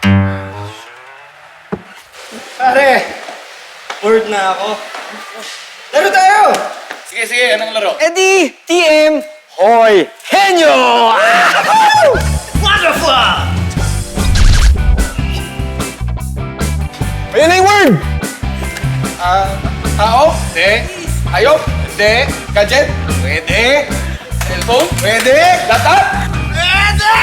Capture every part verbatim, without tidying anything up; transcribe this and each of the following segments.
Pare, bored na ako. Laro tayo! Sige, sige. Anong laro? Eddie, T M, Hoy, Henyo! Wonderful! Ayun na yung word! Ah, tao? Hindi. Hayop? Hindi. Gadget? Pwede. Cellphone? Pwede. Laptop? Pwede!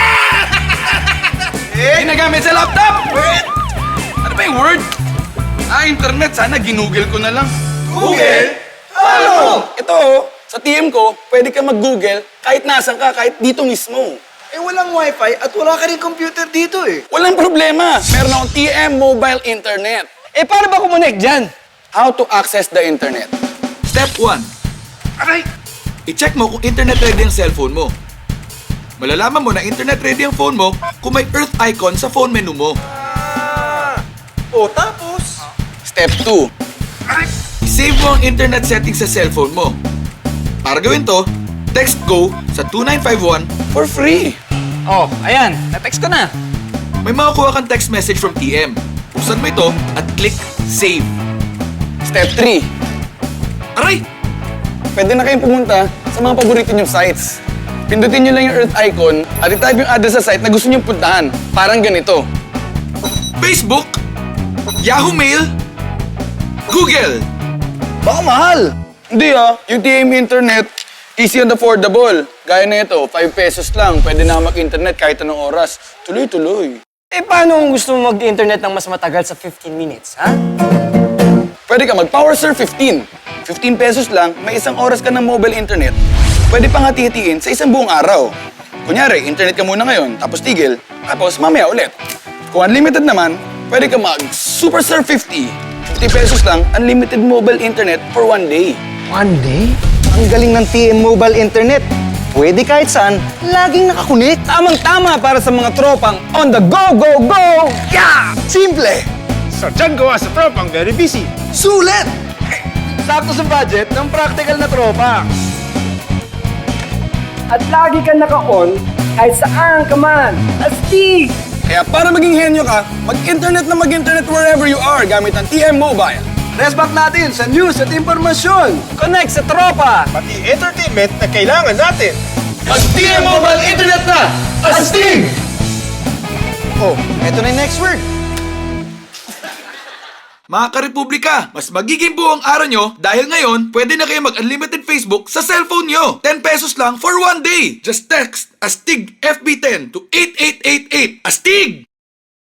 Ginagamit sa laptop? Pwede. Ano ba yung word? Ah, internet. Sana ginugel ko na lang. Google? Ano? Ito, oh, sa T M ko, pwede ka mag-Google kahit nasan ka, kahit dito mismo. Eh, walang wifi at wala ka rin computer dito eh. Walang problema. Meron akong T M Mobile Internet. Eh, paano ba kumonek dyan? How to access the internet. Step one. Aray! I-check mo kung internet ready ang cellphone mo. Malalaman mo na internet ready ang phone mo kung may Earth icon sa phone menu mo. O, tapos? Step two. I-save mo ang internet settings sa cellphone mo. Para gawin to, text GO sa two nine five one. For free. Oh, ayan. Na-text ko na. May makukuha kang text message from T M. Buksan mo ito at click Save. Step three. Aray! Pwede na kayong pumunta sa mga paborito nyong sites. Pindutin nyo lang yung Earth icon at i-type yung address sa site na gusto nyong puntahan. Parang ganito. Facebook, Yahoo Mail, Google. Baka mahal. Hindi ah, yung T M Internet, easy and affordable. Gaya na ito, five pesos lang. Pwede na mag-internet kahit anong oras. Tuloy-tuloy. Eh, paano kung gusto mo mag-internet ng mas matagal sa fifteen minutes, ha? Pwede ka mag-PowerSurf fifteen. fifteen pesos lang, may isang oras ka ng mobile internet. Pwede pang hati-hatiin sa isang buong araw. Kunyari, internet ka muna ngayon, tapos tigil, tapos mamaya ulit. Kung unlimited naman, pwede ka mag-SuperSurf fifty. fifty pesos lang, unlimited mobile internet for one day. One day? Ang galing ng T M Mobile Internet. Pwede kahit saan, laging nakakunik. Tamang-tama para sa mga tropang on the go, go, go! Yeah! Simple! So, dyan gawa sa tropang very busy. Sulit! Sakto sa budget ng practical na tropa. At lagi ka naka-on kahit saan ka man. Astig! Kaya para maging henyo ka, mag-internet na mag-internet wherever you are gamit ang T M Mobile. Respect natin sa news at impormasyon. Connect sa tropa! Pati entertainment na kailangan natin. Mag-T M Mobile Internet na! Astig! Oh, eto na yung next word. Mga karepublika, mas magiging buong araw nyo dahil ngayon pwede na kayo mag-unlimited Facebook sa cellphone nyo. ten pesos lang for one day. Just text ASTIG F B ten to eight eight eight eight. ASTIG!